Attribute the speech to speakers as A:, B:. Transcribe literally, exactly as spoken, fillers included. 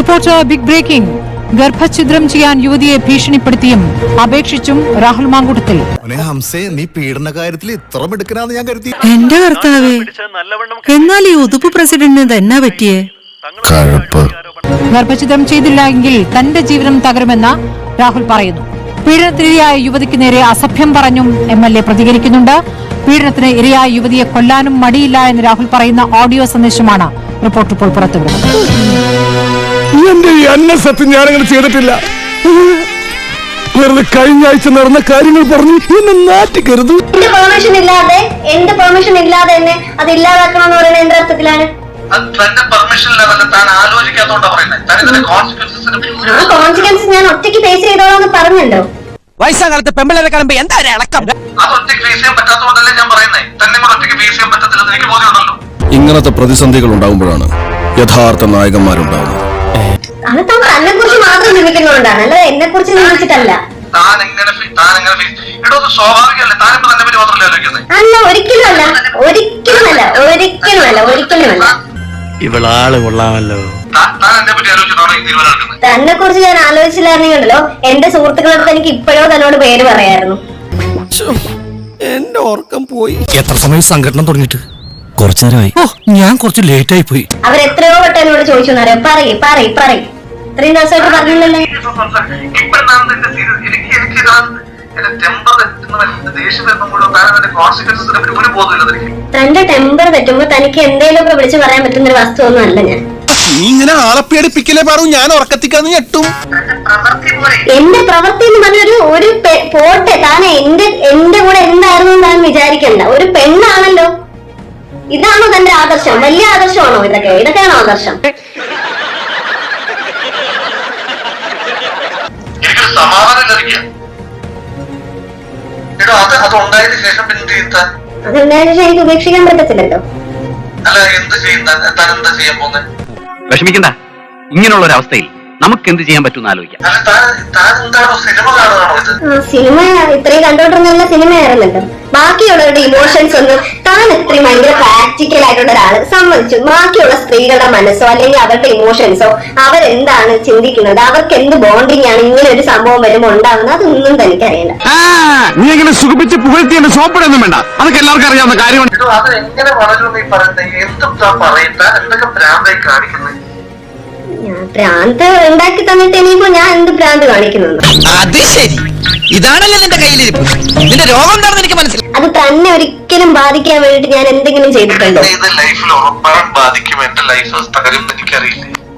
A: Reporter big breaking. ഗർഭഛിദ്രം ചെയ്യാൻ യുവതിയെ ഭീഷണിപ്പെടുത്തിയും അപേക്ഷിച്ചും രാഹുൽ മാങ്കൂട്ടത്തിൽ.
B: നീ പീഡന കാര്യത്തിൽ ഇത്ര മിടുക്കനാന്ന് ഞാൻ കരുതി.
C: എന്റെ കർത്താവേ, എന്നാൽ ഈ ഉതുപ്പ് പ്രസിഡന്റിന് എന്നാ പറ്റിയേ?
A: ഗർഭഛിദ്രം ചെയ്തില്ല എങ്കിൽ തന്റെ ജീവനം തകരുമെന്ന് രാഹുൽ പറയുന്നു. പീഡനത്തിനിരയായ യുവതിക്ക് നേരെ അസഭ്യം പറഞ്ഞും എം എൽ എ പ്രതികരിക്കുന്നുണ്ട്. പീഡനത്തിന് ഇരയായ യുവതിയെ കൊല്ലാനും മടിയില്ല എന്ന് രാഹുൽ പറയുന്ന ഓഡിയോ സന്ദേശമാണ് റിപ്പോർട്ട് ഇപ്പോൾ പുറത്തുവിടുന്നത്.
D: എന്റെ ഈ അന്നസത്യം ഞാനങ്ങനെ ചെയ്തിട്ടില്ല. വെറുതെ കഴിഞ്ഞ ആഴ്ച നടന്ന കാര്യങ്ങൾ പറഞ്ഞു എന്നെ നാട്ടിക്കരുത്.
E: എന്റെ പെർമിഷൻ ഇല്ലാതെ എന്റെ പെർമിഷൻ ഇല്ലാതെ എന്നെ അത് ഇല്ലാതാക്കണമെന്ന് പറയുന്നത് എന്ത് അർത്ഥത്തിലാണ്? കോൺസിക്വൻസ് ഞാൻ ഒറ്റയ്ക്ക് ഫേസ് ചെയ്തോളാന്ന് പറഞ്ഞല്ലോ.
F: വയസ്സാകാലത്ത് പെമ്പിളരെ കാണുമ്പോ എന്താ ഇളക്കം?
B: ഇങ്ങനത്തെ പ്രതിസന്ധികൾ ഉണ്ടാകുമ്പോഴാണ് യഥാർത്ഥ നായകന്മാരുണ്ടാവുന്നത്.
E: അത് താൻ തന്നെ കുറിച്ച് മാത്രം നിമിക്കുന്നുകൊണ്ടാണ്, അല്ലാതെ എന്നെ കുറിച്ച് നിമിച്ചിട്ടല്ല. അല്ല, ഒരിക്കലും അല്ല, ഒരിക്കലും അല്ല, ഒരിക്കലും അല്ല, ഒരിക്കലും അല്ല.
F: ഇവളാള് കൊള്ളാമല്ലോ.
E: തന്നെ കുറിച്ച് ഞാൻ ആലോചിച്ചില്ലായിരുന്നെങ്കിലോ എന്റെ സുഹൃത്തുക്കളടുത്ത് എനിക്ക് ഇപ്പോഴോ തന്നോട് പേര് പറയായിരുന്നു.
D: എന്റെ ഓർക്കം പോയി.
F: എത്ര സമയം സംഘടന തുടങ്ങിയിട്ട്? കുറച്ചു നേരമായി. ഓ, ഞാൻ കുറച്ച് ലേറ്റ് ആയി പോയി.
E: അവരെത്രയോ വട്ടം എന്നോട് ചോദിച്ചു എന്നറിയാം. പറയ് പറയ് പറയ് ഇത്രയും ദിവസമായിട്ട് പറഞ്ഞില്ലല്ലോ. തന്റെ ടെമ്പർ തെറ്റുമ്പോ തനിക്ക് എന്തെങ്കിലും ഒക്കെ വിളിച്ച് പറയാൻ പറ്റുന്ന ഒരു വസ്തു ഒന്നും അല്ല ഞാൻ.
D: നീ ഇങ്ങനെ ആളെ പേടിപ്പിക്കലേ പറയൂ, ഞാൻ ഉറക്കത്തിക്കാന്ന് ഞെട്ടും.
E: എന്റെ പ്രവൃത്തി എന്ന് പറഞ്ഞൊരു ഒരു പോട്ടെ, താൻ എന്റെ എന്റെ കൂടെ എന്തായിരുന്നു താൻ വിചാരിക്കണ്ട. ഒരു പെണ്ണാണല്ലോ. ഇതാണോ തന്റെ ആദർശം? വലിയ ആദർശമാണോ ഇതൊക്കെ? ഇതൊക്കെയാണോ ആദർശം? അതെന്തായാലും എനിക്ക് ഉപേക്ഷിക്കാൻ പറ്റത്തില്ലല്ലോ.
G: വിഷമിക്കണ്ട, ഇങ്ങനെയുള്ള ഒരു അവസ്ഥയിൽ നമുക്ക് എന്ത് ചെയ്യാൻ പറ്റും ആലോചിക്കാം.
E: സിനിമ ഇത്രയും കണ്ടോണ്ടിരുന്ന സിനിമയായിരുന്നല്ലോ. ബാക്കിയുള്ളവരുടെ ഇമോഷൻസ് ഒന്നും താൻ ഇത്രയും ഭയങ്കര പ്രാക്ടിക്കൽ ആയിട്ടുള്ള ഒരാള് സമ്മതിച്ചു. ബാക്കിയുള്ള സ്ത്രീകളുടെ മനസ്സോ അല്ലെങ്കിൽ അവരുടെ ഇമോഷൻസോ അവരെന്താണ് ചിന്തിക്കുന്നത്, അവർക്ക് എന്ത് ബോണ്ടിങ് ആണ് ഇങ്ങനെ ഒരു സംഭവം വരുമ്പോൾ ഉണ്ടാകുന്നത്, അതൊന്നും തനിക്കറിയില്ല.
D: നീ എങ്ങനെ സുഖിപ്പിച്ച് പുകഴ്ത്തി എന്റെ സോപ്പിടൊന്നും വേണ്ട, അതൊക്കെ എല്ലാവർക്കും അറിയാവുന്ന കാര്യമാണ്.
E: ഭ്രാന്ത് ഉണ്ടാക്കി തന്നിട്ട് ഇനിയിപ്പോ ഞാൻ എന്ത് ഭ്രാന്ത് കാണിക്കുന്നു?
F: അത് ശരി, ഇതാണല്ലോ നിന്റെ കയ്യിലിരിപ്പ്. നിന്റെ രോഗം എന്താണെന്ന് എനിക്ക് മനസ്സിലായി.
E: അത് തന്നെ ഒരിക്കലും ബാധിക്കാൻ വേണ്ടിട്ട് ഞാൻ എന്തെങ്കിലും ചെയ്തിട്ടുണ്ടോ?
B: ലൈഫിൽ ഉറപ്പായും ബാധിക്കും. എന്റെ ലൈഫ് തകരും എനിക്കറിയില്ല.